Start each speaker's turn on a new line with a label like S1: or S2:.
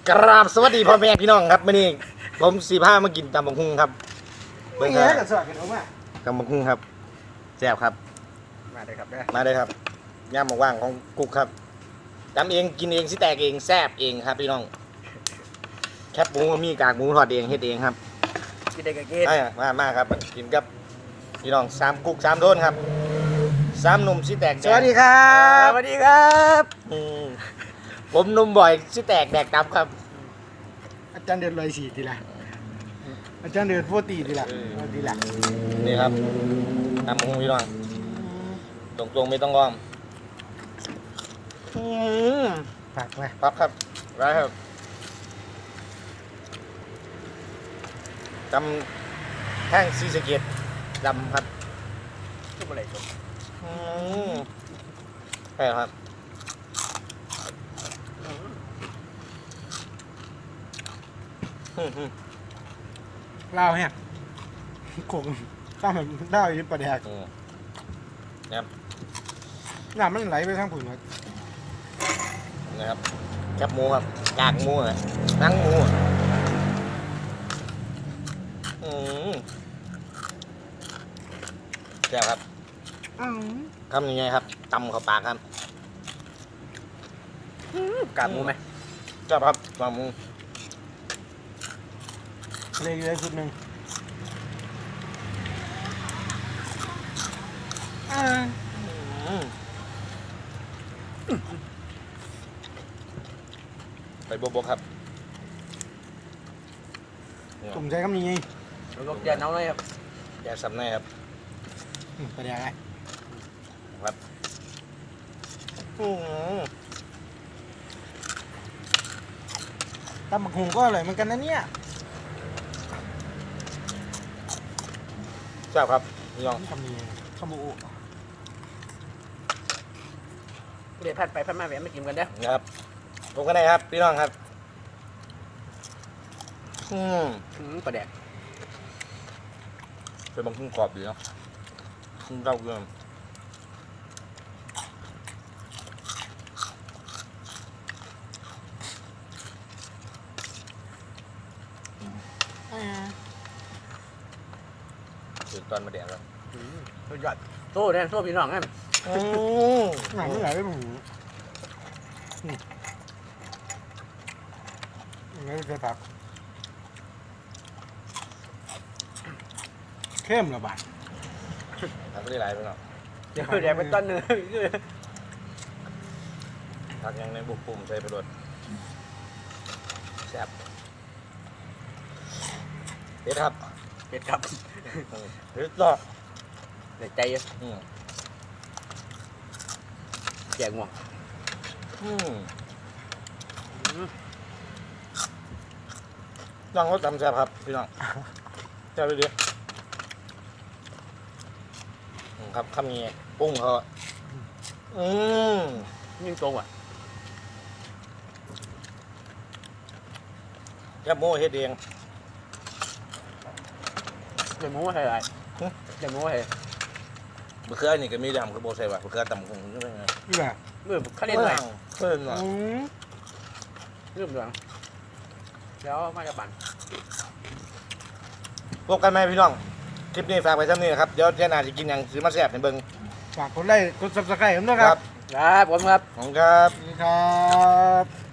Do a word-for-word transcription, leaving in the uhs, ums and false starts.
S1: กราบสวัสดีพ่อแม่พี่น้องครับมื่อนี้ผมสีผ้ามากินตำบักหุ่งครับ
S2: ไม่
S1: เบิ่ง
S2: เงี้
S1: ค
S2: ย
S1: รับ
S2: กับสวัสดีครับว่า
S1: ตำบักหุ่งครับแซ่บครับ
S2: มาเลยครับได้
S1: มาเลยครับย่ามว่างๆของกุ๊กครับตำเองกินเองสิแตกเองแซ่บเองครับพี่น้องแคบหมูมีกากหมูทอดเองเฮ็ดเองครับ
S2: กินได้กับกิน
S1: ได้มามาครับกินกับพี่น้องสามกุ๊กสามโดนครับสามหนุ่มสิแตกแด
S2: ส
S1: ก
S2: วัสดีครับสวัสดีครับ
S1: อืมผมหนุ่มบ่อยสิแตกแดกตับครับ
S2: อาจารย์เดือนลอยสี่ทีละอาจารย์เดือนโฟตีทีละทีละ
S1: นี่ครับตำบักหุ่งพี่น้องตรงๆไม่ต้องอ้อม
S2: ผักไหม
S1: ปั๊บครับไรครับจำแท่งซีสะเกตดำครับ
S2: ทุกอะไรจบ
S1: อืมใช่ครับอืมอืม
S2: เล่าเนี่ยขมข้าวมันเล่าอยู่ประเดี๋ยว
S1: อืมนะครับ
S2: น้ำมันไหลไปทางผุนครับ
S1: นะครับแคบหมูครับกากหมูอะหนังหมูอะอืมแซ่บครับทำยังไงครับตำเข้าปากครับ
S2: กากหมูไหม
S1: แซ่บครับกากหมู
S2: เลยเลยชุดหนึ่งอ่า
S1: อืมไปบวบๆครับ
S2: ผมใช้คำนี้ไง
S3: ลูกเดือนน้องเลยครับ
S1: แกสับในครับ
S2: ประเดี๋ยวไง
S1: ครับอืม
S2: ตำบักหุ่งก็อร่อยเหมือนกันนะเนี่ย
S1: แซ่บครับพี่น้อง
S2: คำนี้คำบู
S3: เดี๋ยวพัดไปพัดมาแหวนมากินกันเด้อ
S1: นะครับผมก็ได้ครับพี่น้องครับอืม
S3: อืมปลาแดก
S1: เป็นบางคุ้งกรอบดีเนาะคุ้งเต้าเกลือ
S2: อ่า
S1: ถึงตอนมาแดดแล้ว
S3: สุดยอดโซ่เนี่ยโซ่พี่น้องนั่น
S1: อืม
S2: หนังมันไหลไปหมูไม่ใช่ผักเข้มระบาด
S1: ทำไม่ได้หลายไปหรอก
S3: เดี๋ยวแดกไปต้นหนึ่ง
S1: ผักยังในบุกปุ่มใส่ไปรดแซ่บเด็ดครับ
S3: เผ็ดครับ
S1: อืมเด็ดต่อ
S3: เดี๋ยวใจเย็น
S1: อืม
S3: แจกง่วง
S1: อืมน้องเขาตำแซ่บครับพี่น้องแซ่บไปดิอืมครับคำนี้ปรุ้งเขาอืม
S3: ยิ่งตรงอ่ะ
S1: แคบหมูเฮ็ดเอง
S3: เดี๋ยวหมูให้ไรเดี๋ยวหมูให้
S1: มะเขือนี่ก็มีดำคือโบใส่ว่ะมะเขือตำคงนี่เป็นไง
S2: นี่แบบ
S3: เมื่อเขาเล่นหน่อย
S1: เพิ่นหน่อย
S2: อืม
S3: เริ่มด้วยแล้วมาจะปั่น
S1: พบกันไหมพี่น้องคลิปนี้ฝากไว้เท่านี้นะครับเดี๋ยวเจ้าหน้าจะกินอย่างซื้อมาแซ่บให้เบิ่ง
S2: ฝากกดไลค์กดซับสไครต์ผมด้วยครับ
S3: ครับผมครับ
S1: ขอบคุณครับ
S2: สวัสดีครับ